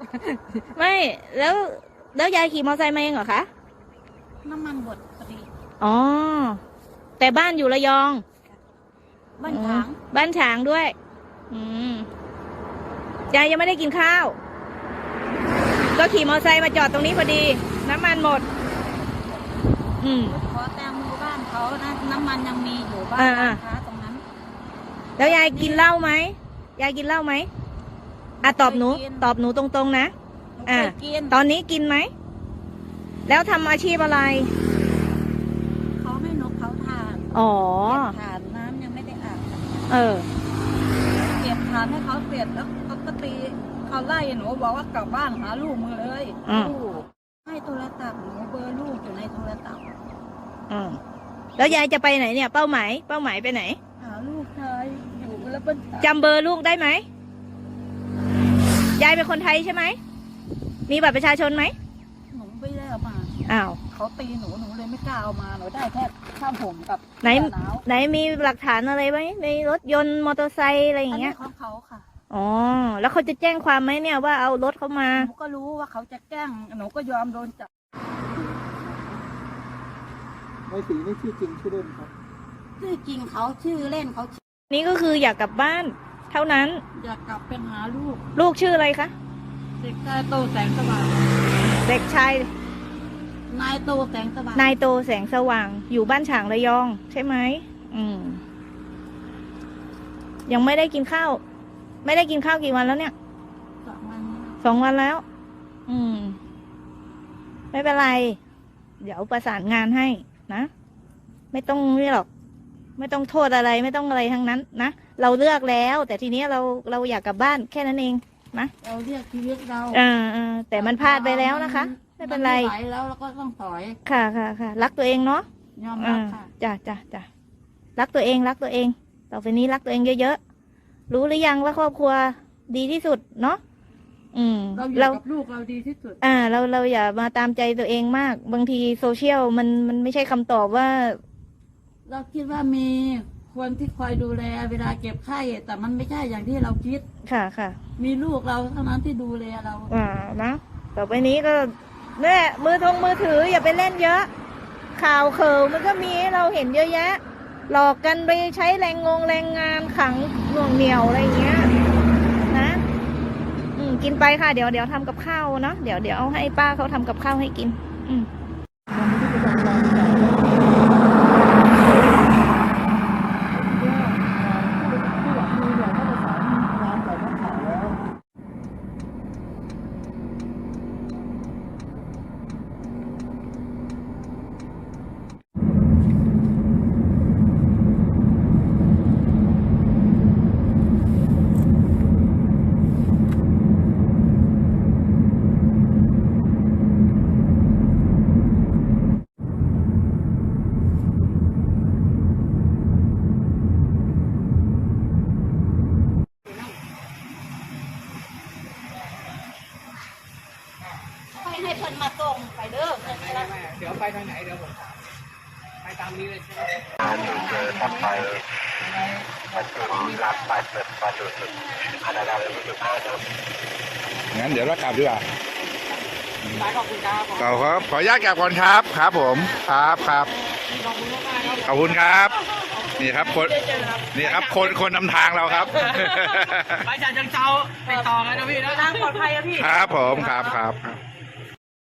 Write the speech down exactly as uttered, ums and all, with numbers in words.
ไม่แล้วแล้วยายขี่มอเตอร์ไซค์มาเองเหรอคะน้ำมันหมดพอดีอ๋อแต่บ้านอยู่ระยองบ้านฉางบ้านฉางด้วยอืมยายยังไม่ได้กินข้าวก็ขี่มอเตอร์ไซค์มาจอดตรงนี้พอดีน้ำมันหมดอืมขอแตงโมบ้านเขานะน้ำมันยังมีอยู่บ้านร้านค้าตรงนั้นแล้วยายกินเหล้าไหมยายกินเหล้าไหมอ่ะตอบหนูตอบหนูตรงๆนะอ่าตอนนี้กินไหมแล้วทำอาชีพอะไรเขาให้นกเขาทานอ๋อทานน้ำยังไม่ได้อาบเออเก็บทานให้เขาเสร็จแล้วเขาก็ตีเขาไล่หนูบอกว่ากลับบ้านหาลูกมือเลยให้โทรศัพท์หนูเบอร์ลูกอยู่ในโทรศัพท์อืมแล้วยายจะไปไหนเนี่ยเป้าหมายเป้าหมายไปไหนหาลูกชายอยู่แล้วเป็นจำเบอร์ลูกได้ไหมยายเป็นคนไทยใช่ไหมมีบัตรประชาชนไหมหนูไม่ได้เอามาอ้าวเขาตีหนูหนูเลยไม่กล้าเอามาหนูได้แค่ข้ามผมกับไหนไหนมีหลักฐานอะไรไหมในรถยนต์มอเตอร์ไซค์อะไรอย่างเงี้ยของเขาค่ะอ๋อแล้วเขาจะแจ้งความไหมเนี่ยว่าเอารถเขามาหนูก็รู้ว่าเขาจะแจ้งหนูก็ยอมโดนจับในสีนี่ชื่อจริงชื่อเล่นครับชื่อจริงเขาชื่อเล่นเขานี่ก็คืออยากกลับบ้านเท่านั้นอยากกลับเป็นหาลูกลูกชื่ออะไรคะเด็กชายโตแสงสว่างเด็กชายนายโตแสงสว่างนายโตแสงสว่างอยู่บ้านฉางระยองใช่ไหมอืมยังไม่ได้กินข้าวไม่ได้กินข้าวกี่วันแล้วเนี่ยสองวันสองวันแล้วอืมไม่เป็นไรเดี๋ยวประสานงานให้นะไม่ต้องนี่หรอกไม่ต้องโทษอะไรไม่ต้องอะไรทั้งนั้นนะเราเลือกแล้วแต่ทีนี้เราเราอยากกลับบ้านแค่นั้นเองนะเราเลือกชีวิตเราอ่าอ่าแต่มันพลาดไปแล้วนะคะไม่เป็นไรไม่ไหวแล้วเราก็ต้องถอยค่ะค่ะค่ะรักตัวเองเนาะยอมรับค่ะจ้ะจ้ะจ้ะรักตัวเองรักตัวเองต่อไปนี้รักตัวเองเยอะๆรู้หรือยังว่าครอบครัวดีที่สุดเนาะอืมเราอยู่กับลูกเราดีที่สุดอ่าเราเราอย่ามาตามใจตัวเองมากบางทีโซเชียลมันมันไม่ใช่คำตอบว่าเราคิดว่ามีคนที่คอยดูแลเวลาเก็บไข้แต่มันไม่ใช่อย่างที่เราคิดค่ะค่ะมีลูกเราเท่านั้นที่ดูแลเราอ่านะต่อไปนี้ก็เนี่ยมือทงมือถืออย่าไปเล่นเยอะข่าวเขิวมันก็มีเราเห็นเยอะแยะหลอกกันไปใช้แรงงงแรงงานขังหน่วงเหนี่ยวอะไรเงี้ยนะอืมกินไปค่ะเดี๋ยวเดี๋ยวทำกับข้าวเนาะเดี๋ยวเดี๋ยวเอาให้ป้าเขาทำกับข้าวให้กินอืมให้เพิ่นมาส่งไปเด้อเดี๋ยวไปทางไหนเดี๋ยวผมไปตามนี้เลยใช่ไหมเจอทำไปประจุรับไปเปิดประจุสุดอันนั้นเลยประจุห้าจุดงั้นเดี๋ยวเรากลับดีกว่าขอบคุณครับขอครับขออนุญาตกลับก่อนครับครับผมครับครับขอบคุณครับนี่ครับคนนี่ครับคนคนนำทางเราครับไปจากจังเจ้าไปต่อกันนะพี่นะทางปลอดภัยครับพี่ครับผมครับครับ